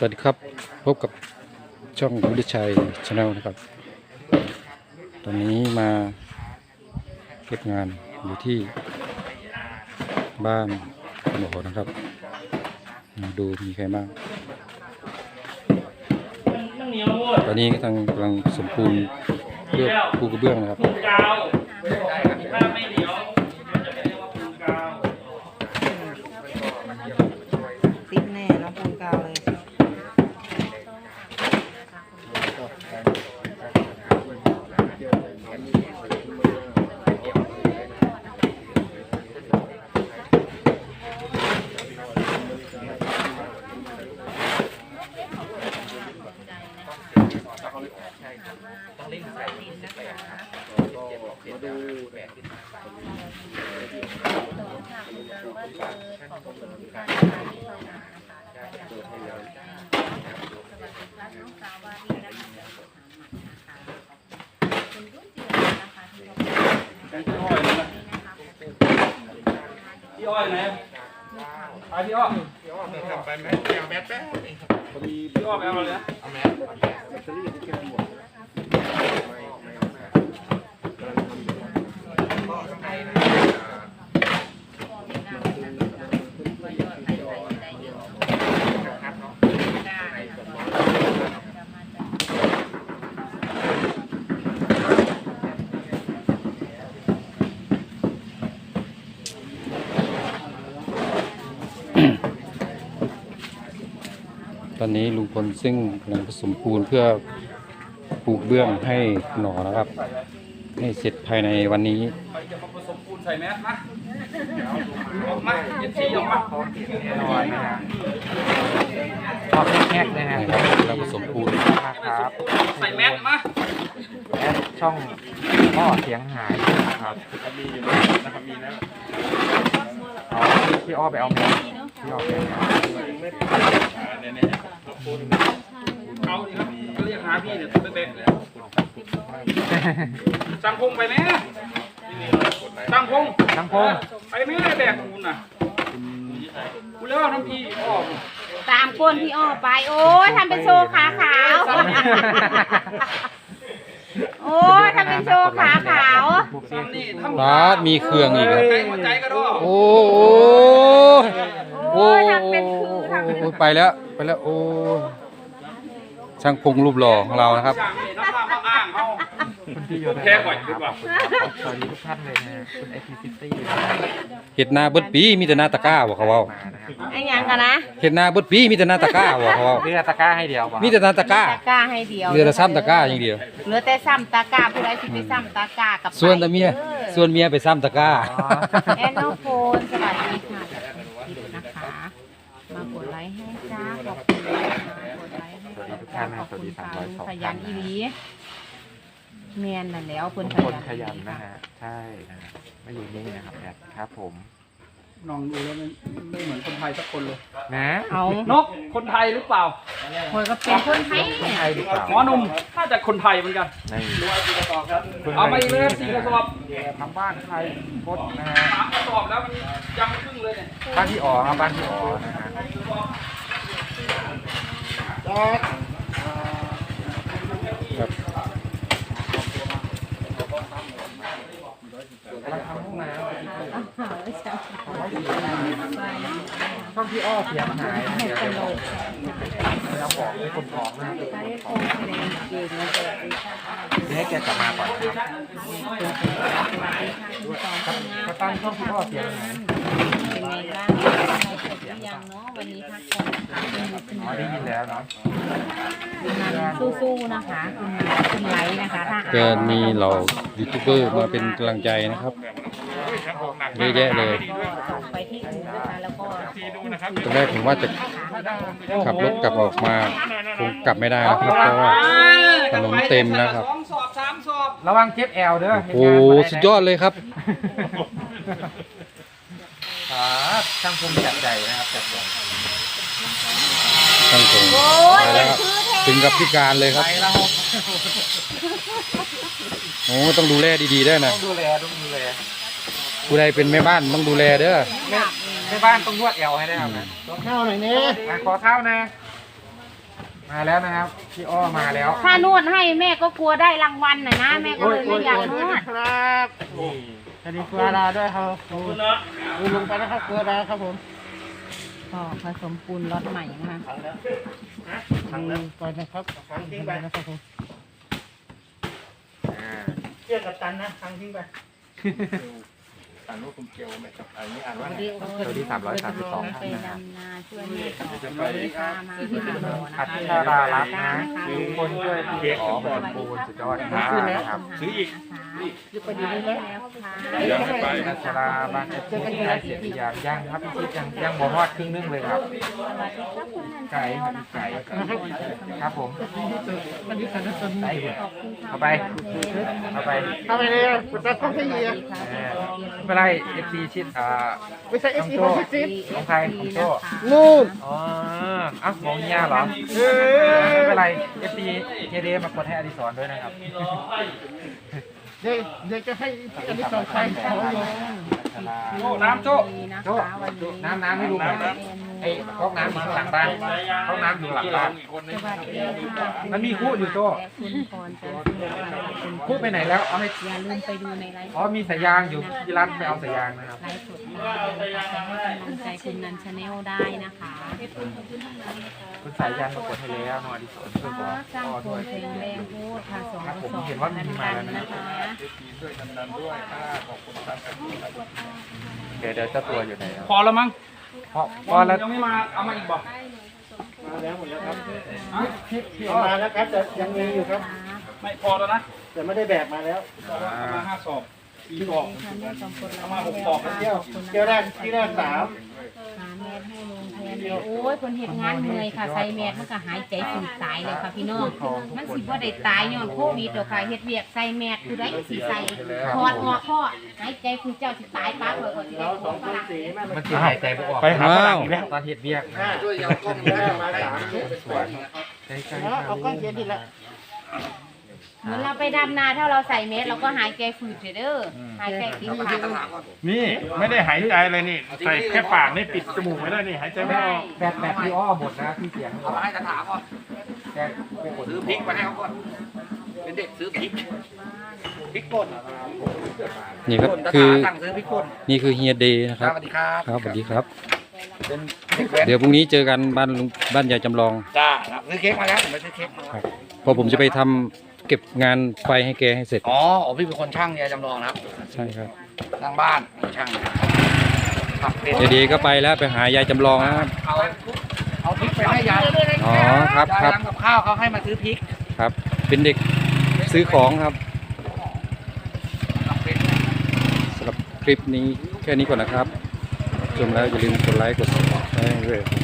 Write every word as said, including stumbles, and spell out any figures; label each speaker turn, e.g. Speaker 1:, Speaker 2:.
Speaker 1: วัสดีครับพบกับช่องวุฒิชัยชาแนลนะครับตอนนี้มาเก็บงานอยู่ที่บ้านหมอนะครับมาดูมีใครบ้างตอนนี้ทางกำลังสมปูนเพื่อปูกระเบื้องนะครับ
Speaker 2: ติดแน่เนาะปูนกาวเลย
Speaker 3: ต้องเล่นใส่ใส่ครับมาดูแบบที่พี่อ้อยไหนไปพี่อ้อยพี่อ้อยไปทำไปไหมเอาแมสแป๊บพอดีพี่อ้อยไปเอาเลยเอาแมสแบตเตอรี่ที่แค่หมด
Speaker 1: ตอนนี้ลุงพลซึ่งกำลังผสมปูนเพื่อปลูกเบื้องให้หนอนะครับให้เสร็จภายในวันนี้
Speaker 3: ไปจะมาผสมปูนใส่แมสนะออกมาเย็นสีออกมาแน่นอนนะฮะชอบแฮกนะฮะ
Speaker 1: เราผสมปูน
Speaker 3: ครับใส่แมสมาแมสช่องพ่อเสียงหายนะครับมีอยู่นะครับมีแล้วเอาพี่อ้อไปเอาแมสพี่อ้อไปเอาแมสเอาดิครับเรียกหาพี่เนี่ยตัวเป๊ะๆเลยจังพงไปไหมจังพงจังพงไปไหมแบกคุณน่ะคุณเล่าน้ำพี่อ้อ
Speaker 2: ตามก้นพี่อ้อไปโอ้ยทำเป็นโชว์ขาขาวโอ้ยทำเป็นโชว์ขาขาว
Speaker 1: บาสมีเครื่องอีกครับโอ้โหโอ้ทำเป็นคือไปแล้วไปแล้วโอ้ช่างพงรูปหล่อของเรานะครับ
Speaker 3: แค่ก่อนดีกว่าสวัสดีทุกท่านเลยนะคุณไอพีซิตี้
Speaker 1: เห็ดนาเบิดปีมีแต่นาตะก้าบอกเขาว่า
Speaker 2: ไอ้ยังกันนะ
Speaker 1: เห็ดนาเบิดปีมีแต่นาตะก้าบอกเขาว่า
Speaker 3: เรือตะก้าให้เดียว
Speaker 1: มีแต่นาตะก้า
Speaker 2: ตะก้าให้เดียว
Speaker 1: เรือแต่ซ้ำตะก้าอย่างเดียว
Speaker 2: เหลือแต่ซ้ำตะก้าผู้ใดที่ไปซ้ำตะก้ากับ
Speaker 1: ส่วนตะเมียส่วนเมียไปซ้ำตะก้า
Speaker 2: แอนโนโฟนสวัสดีค่ะที่ดูนะคะมากดไลค์ให้จ้าขอบคุณกดไลค์ให้จ้าขอบคุณค่ะขยันอีลีเมียนนั่นแล้วคน
Speaker 3: ขยันนะฮะใช่นะไม่อยู่นี่นะครับแอดครับผมน้องดูแล้วไม่ไม่เหมือนคนไทยสักคนเลยนะเอานกคนไทยหรือเปล่า
Speaker 2: คนก็เป็นคนไทย
Speaker 3: คนไทยหรือเปล่าหมอหนุ่มถ้าจะคนไทยเหมือนกันเอามาอีกเลยสี่กระสอบทำบ้านไทยพดนะฮะสามกระสอบแล้วมันยังครึ่งเลยเนี่ยบ้านที่อ๋อครับบ้านที่อ๋อนะฮะ
Speaker 1: ครับ
Speaker 3: ทำห้องน้ำช่องพี่อ้อเสียหายนะเดี๋ยวเราบอกให้คนท้องนะให้แกกลับมาก่อนครับกระตันช่องพี่อ้อเสียหาย
Speaker 2: เป็นไงบ้างเสร็จหรือยังเนาะวันนี้พักผ่อน
Speaker 3: อ๋อได้ยินแล้วเนาะ
Speaker 2: สู้ๆนะคะคุณคุณไลท์นะคะถ้า
Speaker 1: ก็มีเรายูทูบเบอร์มาเป็นกำลังใจนะครับเยอะแยะเลย
Speaker 2: ไปที่อื่นนะคะแล้วก็
Speaker 1: ตอนแรกผมว่าจะขับรถกลับออกมาคงกลับไม่ได้นะครับเพราะว่าถนนเต็มนะครับ
Speaker 3: ระวังเจ็บแอลเด้อ
Speaker 1: โอ้สุดยอดเลยครับ
Speaker 3: ช่างพงจัดใหญ่นะครับจัดใหญ่
Speaker 1: ช่างพงไปแล้วครับถึงกับพิการเลยครับโอ้ต้องดูแลดีๆด้วยนะ
Speaker 3: ต้องดูแลต้องดูแล
Speaker 1: ผู้ใดเป็นแม่บ้านต้องดูแลเด้อ
Speaker 3: แม่บ้านต้องนวดเอวให้ได้ครับนะ
Speaker 4: ขอข้าวหน่อยเนี่ย
Speaker 3: ขอข้าวนะมาแล้วนะครับพี่อ้อมาแล้ว
Speaker 2: ถ้านวดให้แม่ก็กลัวได้รางวัลน่ะนะแม่ก็เลยไม่อยากนวด
Speaker 4: ครับสวัสดีเกลือดาด้วยครับขอบคุณนะลุงไปนะครับเกลือดาครับผม
Speaker 2: ก็ผสมปูนล็อตใหม่นะคะ
Speaker 4: ทางนั้นก่อนนะครับทางทิ้งไปนะครับผม
Speaker 3: อ่า
Speaker 4: เชื่อกับตันนะทางทิ้งไป
Speaker 5: อ่านว่าคุณเกียวไหมครับอันนี้อ่านว่า
Speaker 2: วัน
Speaker 5: ไง
Speaker 2: นี้
Speaker 3: สวัสดีสามร้อยสามสิบสอง
Speaker 2: ไป
Speaker 3: ท่านนะครับ
Speaker 2: ดำนาช่วยแม่ต่อเลยค่ะมาที่หาหมอนะ
Speaker 3: อั
Speaker 2: คะ
Speaker 3: ชรารัตน์นะทุกคนช่วยพี่ขอผสมปูนสุดยอดมากนะครับ
Speaker 5: ซื้ออีก
Speaker 4: จะไปดูนี่แล้ว
Speaker 5: ยังไม่ไป
Speaker 3: อัชราบ้านเอฟซีใกล้เสร็จหรือยังยังครับพี่ชิดยังยังบ่ฮอดครึ่งนึงเลยครับ
Speaker 2: สวัสดีครับคุณนัน
Speaker 3: ไก่
Speaker 2: เจ้า
Speaker 3: ครับ
Speaker 2: นะคะ
Speaker 3: ไก่ครับผม
Speaker 4: อันนี้กันนะตอนนี้
Speaker 3: ไก่เถอะ
Speaker 2: ขอบคุณค่ะ
Speaker 3: เอาไป เอาไป
Speaker 4: เข้าไปเลยกดตัดกล้องให้เยีย
Speaker 3: เออไม่เป็นไรเอฟซีชิดอ่า
Speaker 4: ไม่ใช่เอฟ
Speaker 3: น้อง
Speaker 4: ซี
Speaker 3: โจ้
Speaker 4: ของซิซิ
Speaker 3: ของใครของโจ้
Speaker 4: นู่น
Speaker 3: อ๋ออ่ะมองเงียเหรอ
Speaker 4: เอ
Speaker 3: ไม่เป็น
Speaker 4: อ
Speaker 3: ไรเอฟซีเฮเดมากดให้อดิศรด้วยนะครับ
Speaker 4: เดี๋ยวเดี๋ยวจะให้อันนี้ต่อใครขออยู่
Speaker 3: โจ้น้ำโจ้
Speaker 2: นะ
Speaker 3: โจ้
Speaker 2: คะวันนี้
Speaker 3: น้ำน้ำให้ลุงหน่อยไอ้ก๊อกน้ำอยู่ข้างหลังบ้านก๊อกน้ำอยู่หลังบ้าน
Speaker 2: สวัสดีค่ะ
Speaker 3: มันมีคู่อยู่โจ้
Speaker 2: และคุณพรจันทร์สุวรรณคุณ
Speaker 3: คู่ไปไหนแล้วเอาให้
Speaker 2: อย่าลืมไปดูในไลฟ์
Speaker 3: อ๋อมีสายยางอยู่ที่ร้านไปเอาสายยางนะครับ
Speaker 2: ไลฟ์สดมานะคะให้กำลังใจคุณนันชาแนลได้นะคะ
Speaker 3: คุณสายยางมากดให้แล้วน้องอดิศรช่วยบอก
Speaker 2: สร้าง
Speaker 3: พ่อ
Speaker 2: โค
Speaker 3: ด้วย
Speaker 2: นเพลงแรงพูดค่ะสอง
Speaker 3: ครับผม
Speaker 2: สอง
Speaker 3: เห็นว่ามีมาแล้วนะ
Speaker 2: นะคะ
Speaker 5: ช่วยกันดันด้วยอ่าขอบคุณครับ
Speaker 3: เดี๋ยวเดี๋ยวเจ้าตัวอยู่ไหนครับ
Speaker 1: พอแล้วมั้ง
Speaker 3: พอพอแล้ว
Speaker 1: ยังไม่มาเอามาอีกบอก
Speaker 4: มาแล้วหมดแล้วครับพี่ออกมาแล้วครับแต่ยังมีอยู่ครับ
Speaker 1: ไม่พอแล้วนะ
Speaker 4: แต่ไม่ได้แบกมาแล้ว
Speaker 1: เอามาห้าสอบสี่ก
Speaker 2: ข
Speaker 1: ล่
Speaker 2: อ
Speaker 1: อบ ง
Speaker 2: คุณค่ะสองคน
Speaker 1: เอามาหกกล่องนะ
Speaker 4: เที่ยวเที่ยวแรกที่แรกสาม
Speaker 2: หาแมสให้ลุงแทนเลยโอ้ยคนเห็นงานเหนื่อยค่ะใส่แมสมันก็หายใจฝืดตายเลยค่ะพี่น้องมันสิบ่ได้ตายย้อนโควิดหรอกค่ะเฮ็ดเวียกใส่แมสคือได้สิใส่ถอดออกพ่อหายใจคือเจ้าสิตายปั๊บเลยก่อนสิได้
Speaker 4: เรา
Speaker 2: ข
Speaker 4: ส
Speaker 2: อ
Speaker 4: อง ง
Speaker 2: ฝ
Speaker 4: คน
Speaker 2: รั่ง
Speaker 4: สีแม่
Speaker 3: มันสิหายใจไม่ออก
Speaker 1: ไปหาฝรั่งอีกแล้ว
Speaker 3: ตอนเห็ดเบี้ยก
Speaker 4: ห้า
Speaker 5: ช่วยเอากล้องนี้
Speaker 4: ได้มาสาม
Speaker 3: สวนใกล้ๆ
Speaker 4: เอากล้องเขียนดีละ
Speaker 2: เหมือนเราไปดำนาถ้าเราใส่แมสเราก็หายใจฝืดเด้อหายใจติดปาก
Speaker 5: นี่ไม่ได้หายใจเลยนี่ ใส่แค่ปากนี่ปิดจมูกไว้ได้นี่หายใจไม่ออก
Speaker 3: แบบแบบพี่อ้อหมดนะที่เสียงเอาให้จะถามก่อนแกไปกดซื้อพริกมาให้เขาก่อนเป็นเด็กซื้อพริกพริกป่น
Speaker 1: นี่ครับคือ
Speaker 3: สั่งซื้อพริกป่น
Speaker 1: นี่คือเฮียเดย์นะครับ
Speaker 3: สวัสดีครับ
Speaker 1: ครับสวัสดีครับ
Speaker 3: เป็นเด็กแว้น
Speaker 1: เดี๋ยวพรุ่งนี้เจอกันบ้านลุงบ้านยายจำลอง
Speaker 3: จ้าซื้อเค้กมาแล้วผมไปซื้อเค้กมา
Speaker 1: ครับเพอผมจะไปทำเก็บงานไฟให้แกให้เสร็จ
Speaker 3: อ๋ออ๋อพี่เป็นคนช่างยายจำลองนะครับ
Speaker 1: ใช่ครับ
Speaker 3: สร้างบ้านช่างครับเป็น
Speaker 1: เดี๋ยวเดย์ก็ไปแล้วไปหายายจำลองนะครับ
Speaker 3: เอาเอาพริกไปให้ยาย
Speaker 1: อ๋อครับ
Speaker 3: ยาย
Speaker 1: ครับ
Speaker 3: ทำกับข้าวเขาให้มาซื้อพริก
Speaker 1: ครับ เป็นเด็กซื้อของครับสำหรับคลิปนี้แค่นี้ก่อนนะครับชมแล้วอย่าลืมกดไลค์กดซับสไครต์ด้วย